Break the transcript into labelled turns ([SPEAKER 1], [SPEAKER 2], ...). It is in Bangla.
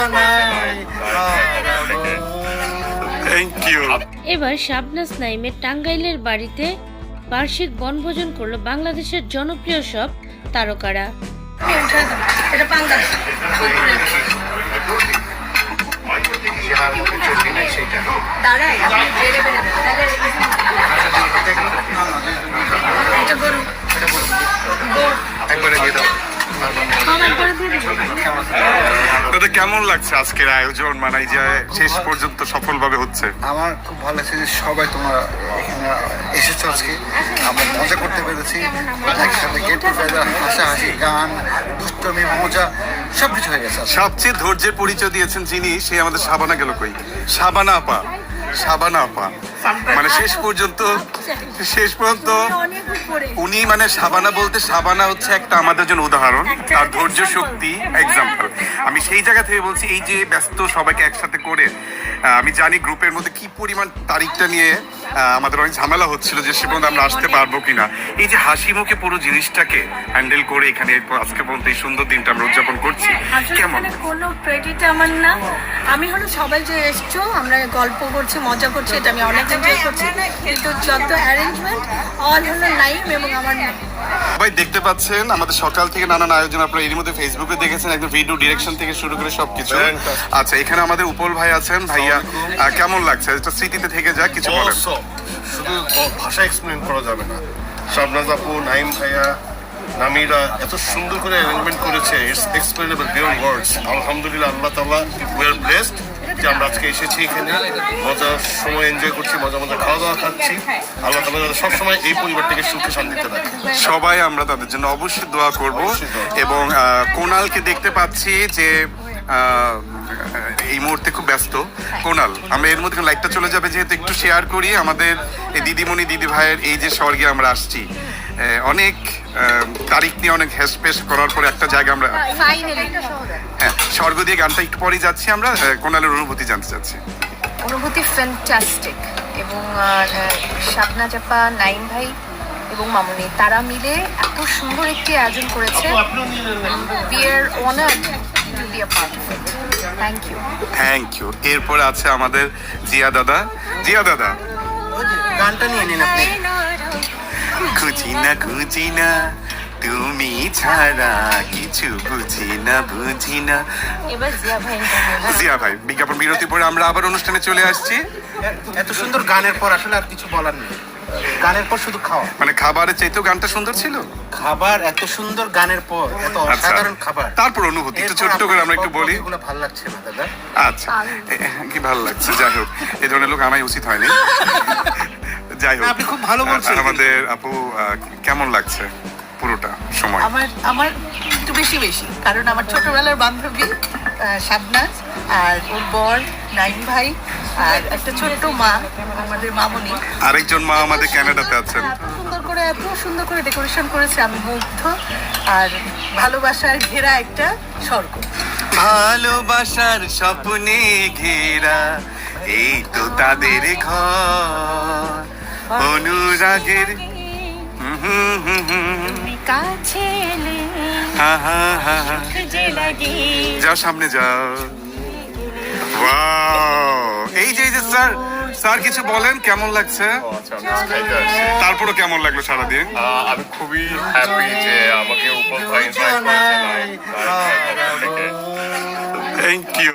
[SPEAKER 1] Thank you.
[SPEAKER 2] এবার শাবনাজ নাইমের টাঙ্গাইলের বাড়িতে বার্ষিক বনভোজন করলো বাংলাদেশের জনপ্রিয় সব তারকারা।
[SPEAKER 1] দাদা কেমন লাগছে আজকের আয়োজন, মানে এই যে শেষ পর্যন্ত সফলভাবে হচ্ছে?
[SPEAKER 3] আমার খুব ভালো লাগছে যে সবাই তোমরা এখানে এসেছো আজকে, আমরা মজা করতে পেরেছি একসাথে, গেট টুগেদার, হাসাহাসি, গান, দুষ্টমি, মজা সবকিছু হয়ে গেছে।
[SPEAKER 1] সবচেয়ে ধৈর্যের পরিচয় দিয়েছেন যিনি, সে আমাদের শাবানা গেল কই? শাবানা আপা, শাবানা আপা মানে শেষ পর্যন্ত উনি, মানে শাবানা বলতে, শাবানা হচ্ছে একটা আমাদের জন্য উদাহরণ, আর ধৈর্য শক্তি এক্সাম্পল। আমি সেই জায়গা থেকে বলছি, এই যে ব্যস্ত সবাইকে একসাথে করে, আমি জানি গ্রুপের মধ্যে কি পরিমাণ তারিখটা নিয়ে আমাদের অনেক ঝামেলা হচ্ছিল যে সে পর্যন্ত আমরা আসতে পারবো কিনা। এই যে হাসি মুখে পুরো জিনিসটাকে হ্যান্ডেল করে এখানে আজকে পর্যন্ত এই সুন্দর দিনটা আমরা উদযাপন করছি, কেমন?
[SPEAKER 4] কোনো ক্রেডিট আমার না, আমি হলো সবাই যে এসছো, আমরা গল্প করছি, মজা করছি, এটা আমি অনেক এনজয় করছি, কিন্তু যত অ্যারেঞ্জমেন্ট অল হলো নাইম এবং আমার নাম।
[SPEAKER 1] সবাই দেখতে পাচ্ছেন আমাদের সকাল থেকে নানান আয়োজন, আপনারা এর মধ্যে ফেসবুকে দেখেছেন, একদম ভিডিও ডিরেকশন থেকে শুরু করে সবকিছু। আচ্ছা, এখানে আমাদের উপল ভাই আছেন। ভাইয়া কেমন লাগছে? এটা স্মৃতিতে থেকে যাক, কিছু বলেন।
[SPEAKER 5] শুধু ভাষা এক্সপ্লেন করা যাবে না। শাবনাজ আপু, নাইম ভাইয়া, নামিরা এত সুন্দর করে অ্যারেঞ্জমেন্ট করেছে, ইটস এক্সপ্লেনেবল বিয়ন্ড ওয়ার্ডস। আলহামদুলিল্লাহ, আল্লাহ তাআলা, উই আর ব্লেসড যে আমরা আজকে এসেছি এখানে, মজার সময় এনজয় করছি, মজা খাওয়া দাওয়া খাচ্ছি। আল্লাহ তাআলা সবসময় এই পরিবারটাকে সুখে শান্তিতে রাখে।
[SPEAKER 1] সবাই আমরা তাদের জন্য অবশ্যই দোয়া করব। এবং কোনালকে দেখতে পাচ্ছি যে এই মুহূর্তে খুব ব্যস্ত। কোনাল, আমরা এর মধ্যে লাইকটা চলে যাবে যেহেতু, একটু শেয়ার করি আমাদের এই দিদিমণি দিদি ভাইয়ের এই যে স্বর্গে আমরা আসছি, অনেক তারিখ নিয়ে অনেক হেসপেস করার পরে একটা জায়গা আমরা, হ্যাঁ, স্বর্গ দিয়ে গানটা একটু পরে যাচ্ছি আমরা। কোনালের অনুভূতি জানতে চাচ্ছি।
[SPEAKER 6] অনুভূতি ফ্যান্টাস্টিক, এবং শাবনাজ আপা, নাইম ভাই এবং মামুনি, তারা মিলে এত সুন্দর একটি আয়োজন করেছে। We are honored to be a part of it. Thank you.
[SPEAKER 1] Thank you. এরপরে আছে আমাদের জিয়া দাদা। জিয়া দাদা,
[SPEAKER 3] গানটা নিয়ে নিন আপনি।
[SPEAKER 1] খুঁজি না তুমি ছাড়া কিছু বুঝি না।
[SPEAKER 6] এবার জিয়া ভাই,
[SPEAKER 1] জিয়া ভাই, বিজ্ঞাপন বিরতি পরে আমরা আবার অনুষ্ঠানে চলে আসছি।
[SPEAKER 3] এত সুন্দর গানের পর আসলে আর কিছু বলার নেই। গানের পর শুধু খাওয়া,
[SPEAKER 1] মানে খাবারের চাইতেও গানটা সুন্দর ছিল।
[SPEAKER 3] খাবার এত সুন্দর, গানের পর এত অসাধারণ খাবার,
[SPEAKER 1] তারপর অনুভূতি একটু ছোট্ট করে আমরা একটু বলি।
[SPEAKER 3] এগুলো ভালো লাগছে না দাদা?
[SPEAKER 1] আচ্ছা, কি ভালো লাগছে? যাই হোক, এই ধরনের লোক আনাই উচিত হয়নি। যাই হোক,
[SPEAKER 3] আপনি খুব ভালো বলছেন।
[SPEAKER 1] আমাদের আপু কেমন লাগছে পুরোটা সময়?
[SPEAKER 4] আমার একটু বেশি কারণ আমার ছোটবেলার বান্ধবী শাবনাজ, আর ওর বর নাইম ভাই, আর একটা ছোট্ট মা আমাদের মামুনি,
[SPEAKER 1] আরেকজন মা আমাদের ক্যানাডাতে আছেন।
[SPEAKER 4] এত সুন্দর করে ডেকোরেশন করেছে, আমি মুগ্ধ। আর ভালোবাসার ঘেরা একটা স্বর্গ,
[SPEAKER 1] ভালোবাসার স্বপ্নে ঘেরা এই তো তাদের ঘর, অনুরাগের
[SPEAKER 6] কাছে এলে যে লাগে।
[SPEAKER 1] যাও সামনে যাও। ওয়াও, এই যে স্যার কিছু বলেন, কেমন লাগছে? তারপরও কেমন লাগলো সারাদিন?
[SPEAKER 5] আমি খুবই হ্যাপি যে আমাকে উপর ভাই ইনভাইট করেছেন।
[SPEAKER 1] Thank you.